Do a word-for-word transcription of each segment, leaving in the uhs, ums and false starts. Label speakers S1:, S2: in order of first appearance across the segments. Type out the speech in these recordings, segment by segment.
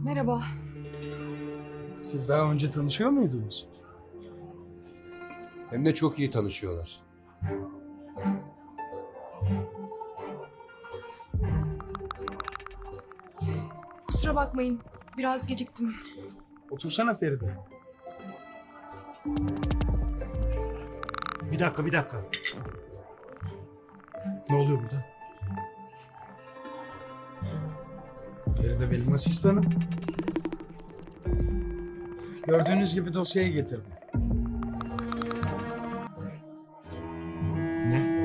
S1: Merhaba.
S2: Siz daha önce tanışıyor muydunuz?
S3: Hem de çok iyi tanışıyorlar.
S1: Kusura bakmayın. Biraz geciktim.
S2: Otursana Feride.
S4: Bir dakika, bir dakika. Ne oluyor burada?
S2: Feride benim asistanım. Gördüğünüz gibi dosyayı getirdi.
S4: Ne?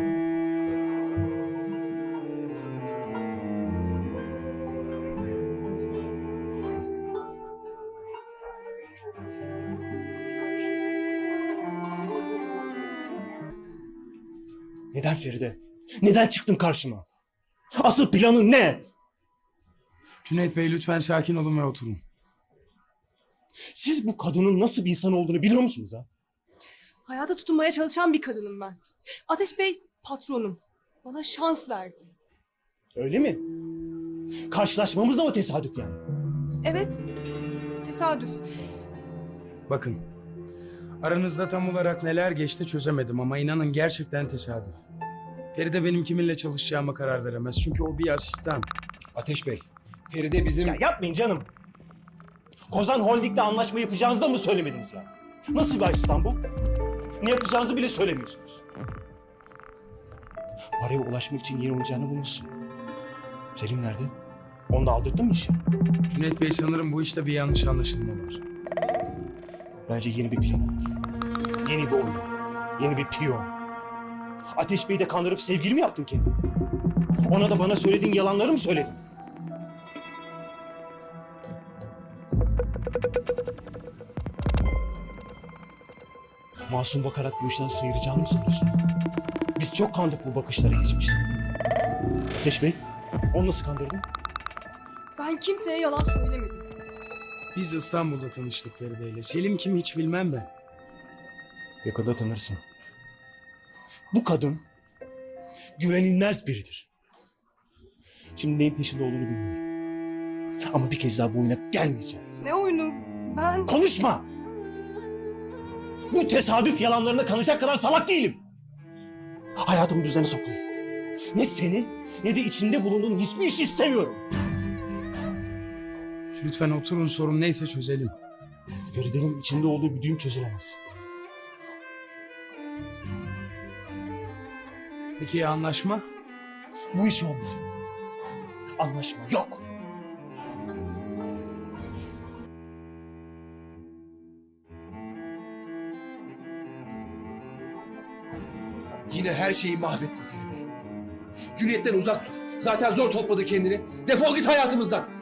S4: Neden Feride? Neden çıktın karşıma? Asıl planın ne?
S2: Cüneyt Bey lütfen sakin olun ve oturun.
S4: Siz bu kadının nasıl bir insan olduğunu biliyor musunuz ha?
S1: Hayata tutunmaya çalışan bir kadınım ben. Ateş Bey patronum. Bana şans verdi.
S4: Öyle mi? Karşılaşmamız da mı tesadüf yani?
S1: Evet. Tesadüf.
S2: Bakın, aranızda tam olarak neler geçti çözemedim ama inanın gerçekten tesadüf. Feride benim kiminle çalışacağıma karar veremez çünkü o bir asistan.
S3: Ateş Bey, Feride bizim...
S4: Ya yapmayın canım. Kozan Holding'le anlaşma yapacağınızı da mı söylemediniz ya? Nasıl bir asistan bu? Ne yapacağınızı bile söylemiyorsunuz. Paraya ulaşmak için yeni oyuncağını bulmuşsun. Selim nerede? Onu da aldırdın mı işe?
S2: Cüneyt Bey sanırım bu işte bir yanlış anlaşılma var.
S4: Bence yeni bir planı var. Yeni bir oyun. Yeni bir piyon. Ateş Bey'i de kandırıp sevgili mi yaptın kendine? Ona da bana söylediğin yalanları mı söyledin? Masum bakarak bu işten sıyıracağını mı sanıyorsun? Biz çok kandık bu bakışlara geçmişte. Ateş Bey, onu nasıl kandırdın?
S1: Ben kimseye yalan söylemedim.
S2: Biz İstanbul'da tanıştık Feride ile. Selim kim hiç bilmem ben.
S4: Yakında tanırsın. Bu kadın güvenilmez biridir. Şimdi neyin peşinde olduğunu bilmiyorum. Ama bir kez daha bu oyuna gelmeyeceğim.
S1: Ne oyunu? Ben...
S4: Konuşma! Bu tesadüf yalanlarına kanacak kadar salak değilim. Hayatımı düzene sokmayın. Ne seni ne de içinde bulunduğun hiçbir iş istemiyorum.
S2: Lütfen oturun, sorun neyse çözelim.
S4: Feride'nin içinde olduğu bir düğüm çözülemez.
S2: Peki ya anlaşma?
S4: Bu iş olmayacak. Anlaşma yok.
S3: Yine her şeyi mahvettin Feride. Cüneyt'ten uzak dur. Zaten zor topladı kendini. Defol git hayatımızdan.